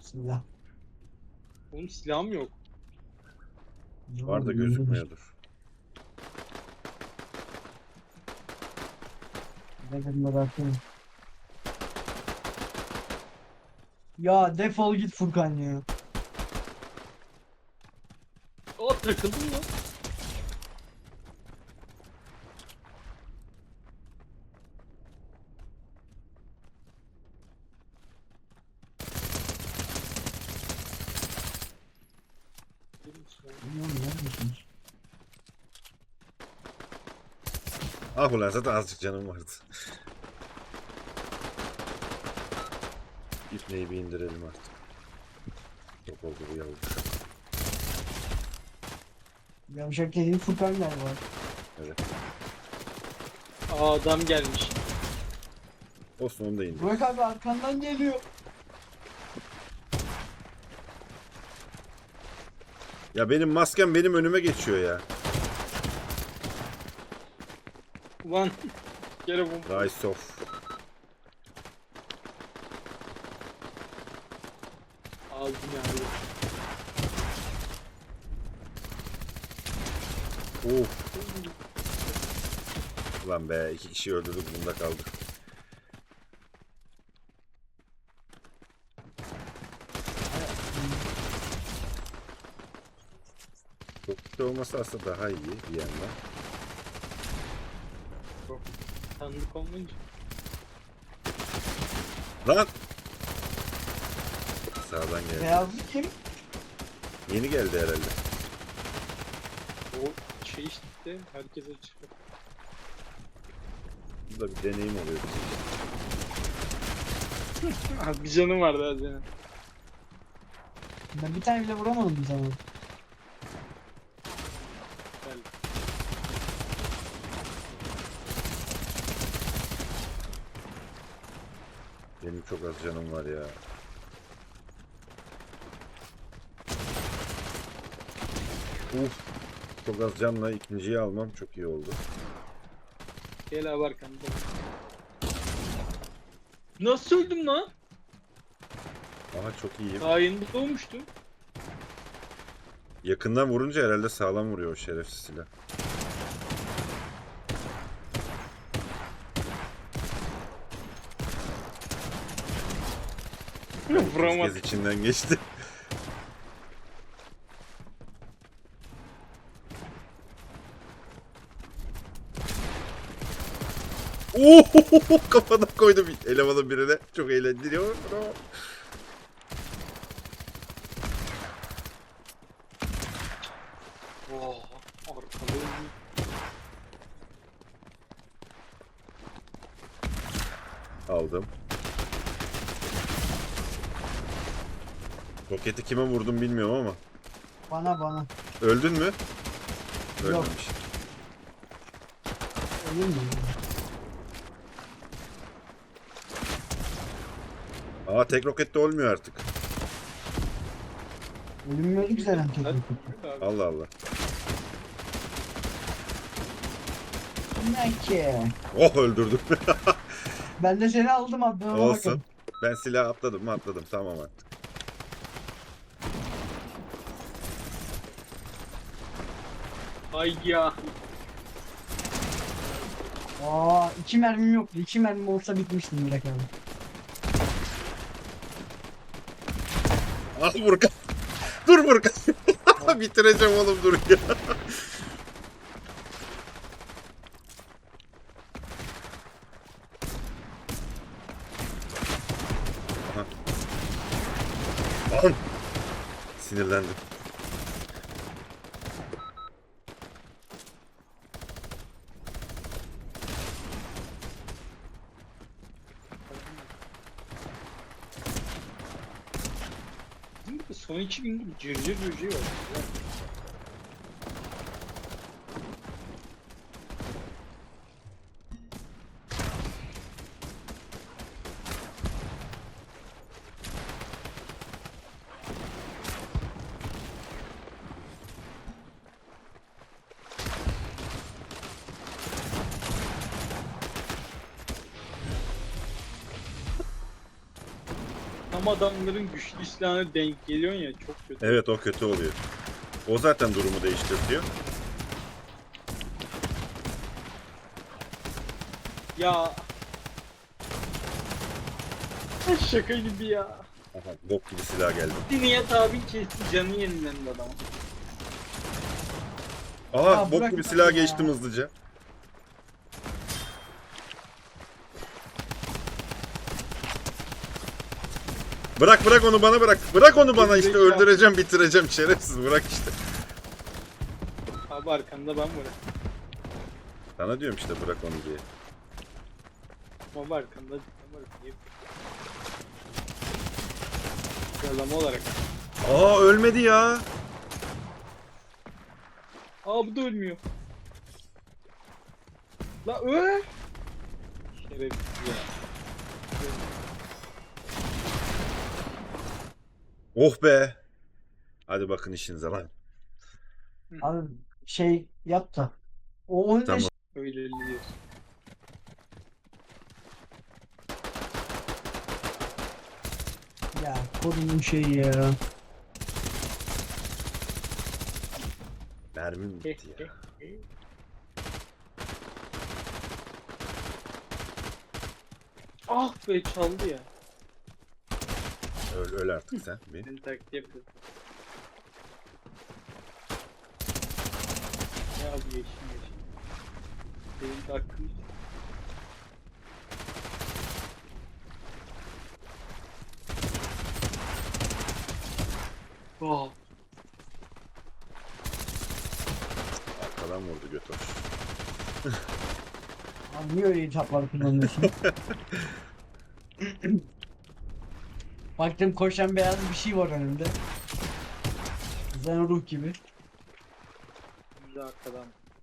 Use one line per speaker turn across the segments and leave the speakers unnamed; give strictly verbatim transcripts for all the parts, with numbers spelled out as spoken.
Silah.
Oğlum silahım yok.
Var da gözükmüyordur.
Ne dedim de bakayım. Ya defol git Furkan ya.
Aa takıldım lan.
Bilmiyorum neredesiniz?
Ah ulan zaten azıcık canım vardı. İpneyi bir indirelim artık. Çok oldu bu yavru.
Yavşak dediğin Furkan galiba.
Evet.
Aa adam gelmiş.
Olsun onu da indir.
Burak abi arkandan geliyor.
Ya benim maskem benim önüme geçiyor ya.
Ulan. Gene bu.
Rise off.
Aldım yani.
Of. Ulan be iki kişi öldürdük bunda kaldık. Çok kötü olması aslında daha iyi bir yandan.
Tanıdık olmayınca.
Lan! Sağdan geldi.
Beyazlı kim?
Yeni geldi herhalde.
O şey işte herkese çıkıyor.
Bu da bir deneyim oluyor bizim için.
Ah, bir canım vardı az yani.
Ben bir tane bile vuramadım sana.
Gel.
Benim çok az canım var ya. Uf. Çok az canla ikinciyi almam çok iyi oldu.
Gel abi arkamda. Nasıl öldüm lan?
Aha çok iyiyim.
Daha yeni doğmuştum.
Yakından vurunca herhalde sağlam vuruyor o şerefsiz silah. İlk
Vuramadım.
kez içinden geçti. Oo, kafadan koydum elemanın birine. Çok eğlendiriyor.
Oh, arkada öldüm.
Aldım. Roketi kime vurdum bilmiyorum ama.
Bana bana.
Öldün mü?
Yok.
Ölmemiş.
Ölür mü?
Aa tek rokette olmuyor artık.
Ölünmüyordu ki zaten
Hadi.
teknik.
Abi.
Allah Allah.
Ne ki?
Oh öldürdüm.
Ben de seni aldım abi. Ona
Olsun.
bakın.
Ben silah atladım mı atladım tamam artık.
Ay ya.
Aa iki mermim yoktu. İki mermim olsa bitmiştim Burak abi.
Ah Burkan. Dur Burkan. Bitireceğim oğlum dur ya. Aha. Lan. Sinirlendim.
Bizim de son iki gündür cırcır böceği var. Ya. tam adamların güçlü silahına denk geliyorsun ya, çok kötü.
Evet, o kötü oluyor. O zaten durumu değiştiriyor.
Ya. Şaka gibi ya.
Aha, bok gibi silah geldi.
Nihat abi kesti, canı yenilendi adam.
Aha,
Ya
bok
bırak
gibi
ya.
silah geçtim hızlıca. Bırak bırak onu bana bırak. Bırak onu bana işte,
Zekalı.
öldüreceğim bitireceğim şerefsiz, bırak işte.
Abi arkanda ben varım.
Sana diyorum işte bırak onu diye.
Abi arkanda ben varım. Niye? Yalama olarak.
Aa, ölmedi ya.
Aa, bu da ölmüyor. La öl. Şerefsiz ya.
Oh be. Hadi bakın işinize lan.
Abi şey yap da. O on
Tamam.
beş
Öyle diyor.
ya kodunun şeyi ya.
Mermim bitti ya.
Ah be, çaldı ya.
Öl, öl artık sen. Bir.
Seni taklit yapıyor. Ya bu yeşil yeşil. Benim de hakkım. Oh.
Arkadan vurdu götür.
Abi niye öyle hitaplar kullanıyorsun? Baktım koşan beyaz bir şey var önümde. Zen ruh gibi.
Şimdi arkadan.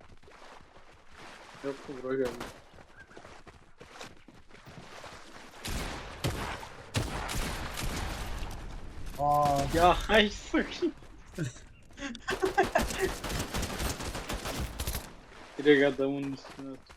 Yok mu, buraya geldi.
Aa,
Ya hay sakın. Direkt adamın üstüne at.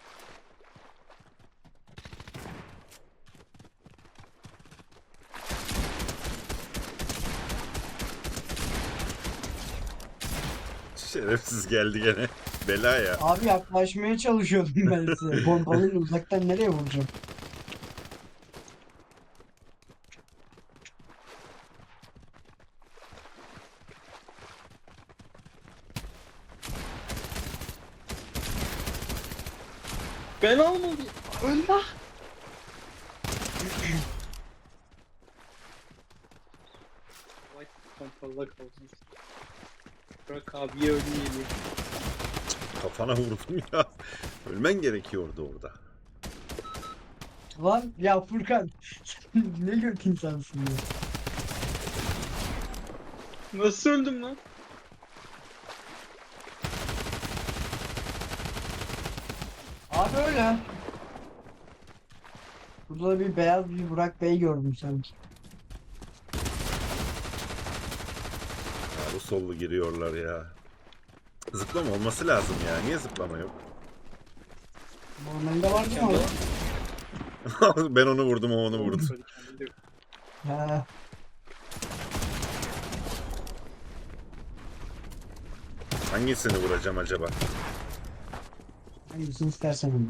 Şerefsiz geldi gene. Bela ya.
abi yaklaşmaya çalışıyordum ben size. Pompalıyla uzaktan nereye vuracağım?
Ben almadım. Ölme. Vay, pompalı kalsın. Bırak abiye ölmeyelim.
Kafana vurdum ya. Ölmen gerekiyordu orada.
Lan ya Furkan ne göt insansın ya.
Nasıl öldüm lan?
Abi öyle. Burada da bir beyaz bir Burak Bey gördüm sanki.
Ya bu sollu giriyorlar ya. Zıplama olması lazım ya. Niye zıplama yok?
Normalde var değil mi orada?
Ben onu vurdum, o onu vurdu.
Kendinde yok.
He.
Hangisini vuracağım acaba?
Hangisini istersen onu.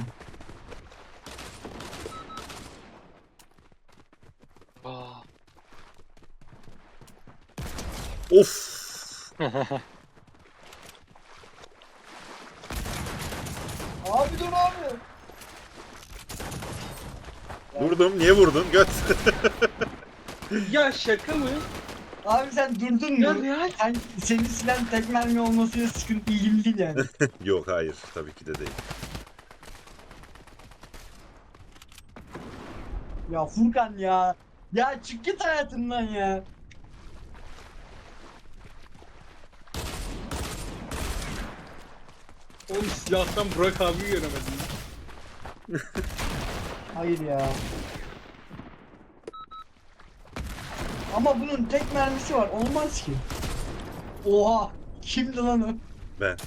Aa.
Of!
Abi dur abi.
Vurdum. Niye vurdun? Göt.
Ya şaka mı?
Abi sen durdun
Ya
mu?
real.
Sen, senin silen tek mermi olmasıyla sıkıntı ilgili değil yani.
Yok, hayır. Tabii ki de değil.
Ya Furkan ya. Ya çık git hayatımdan ya.
Oğlum silahtan Burak abi göremedim.
Hayır ya. Ama bunun tek mermisi var. Olmaz ki. Oha. Kimdi lan o?
Ben.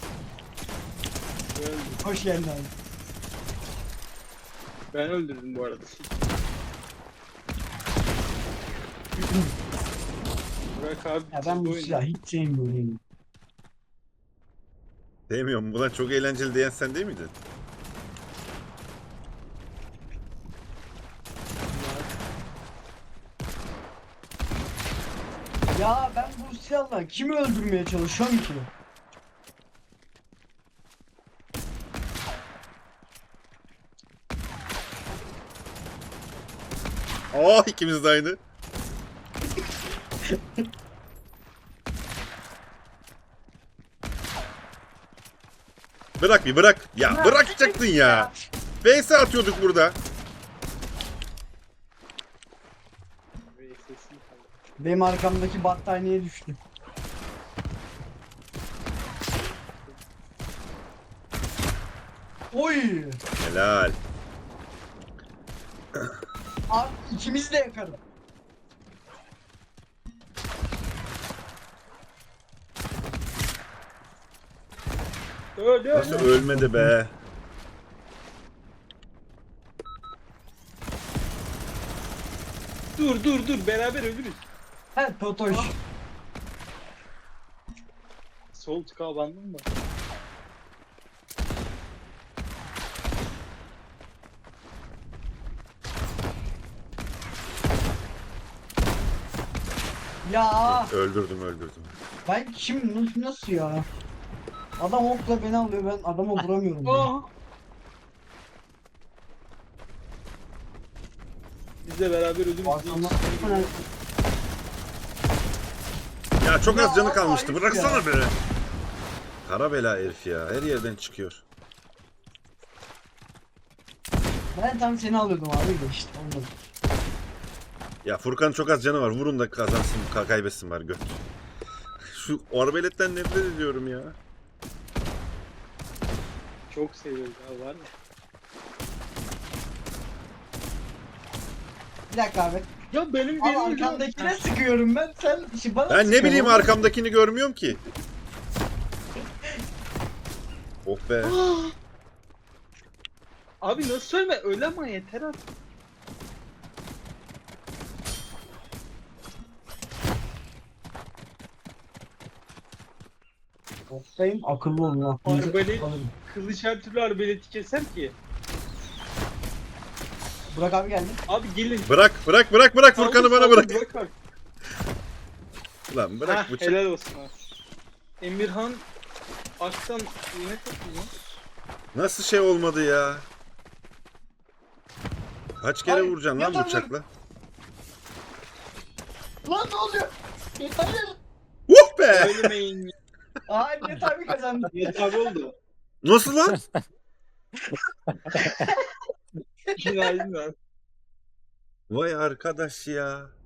Ben,
Hoş geldin abi.
ben öldürdüm bu arada. Burak abi
Ya ben bu
bitirdi
silahı
oyunu.
hiç sevmiyorum.
Sevmiyorum. Buna çok eğlenceli diyen sen değil miydin?
Ya ben bu silahla kimi öldürmeye çalışıyorum ki?
Aa ikimiz de aynı. Bırak bir bırak. Ya bırakacaktın ya. V S atıyorduk burada.
Ve sesini kaldı.
Benim arkamdaki battaniye düştü. Oy!
Helal.
Abi ikimiz de yakarım.
Öyle
Nasıl
öyle.
ölmedi be?
Dur dur dur beraber ölürüz.
He Totoş.
Sol tıka bandın mı?
Ya
Öldürdüm öldürdüm.
ben kim nasıl, nasıl ya? Adam okla beni alıyor, ben adama vuramıyorum. ya.
Aa. Biz de beraber ölürüz.
Arkamdan
Ya çok az
Ya
canı kalmıştı.
ayıp
Bıraksana
ya.
be. Kara bela herif ya. Her yerden çıkıyor.
Ben tam seni alıyordum abi de işte ondan.
Ya Furkan çok az canı var. Vurun da kazansın, ka- kaybetsin var göt. Şu arbeletten nefret ediyorum ya.
Çok seviyoruz abi var ya.
Bir dakika abi.
Ya benim
Abi
benim
arkandakine sıkıyorum ben, sen işi bana
Ben ne
sıkıyorsun.
bileyim arkamdakini görmüyorum ki. Oh be.
Abi nasıl söyleme öyle ama yeter artık.
Oktayım, akıllı olun lan.
Arbalet,
Alırım.
kılıç her türlü arbaleti keser ki.
Burak abi geldi.
Abi gelin.
Bırak bırak bırak bırak Furkan'ı
Saldır,
bana
saldır,
bırak.
Bırak abi.
Lan bırak
Heh,
bıçak.
helal olsun abi. Emirhan Aktan yine katılıyor.
Nasıl şey olmadı ya? Kaç kere
Ay,
vuracaksın lan
yatamıyorum.
bıçakla?
Lan ne oluyor? Hayır.
Uh be!
Ölmeyin.
Aa Net abi kazandı.
Yet abi oldu.
Nasıl lan?
Günaydın abi.
Vay arkadaş ya.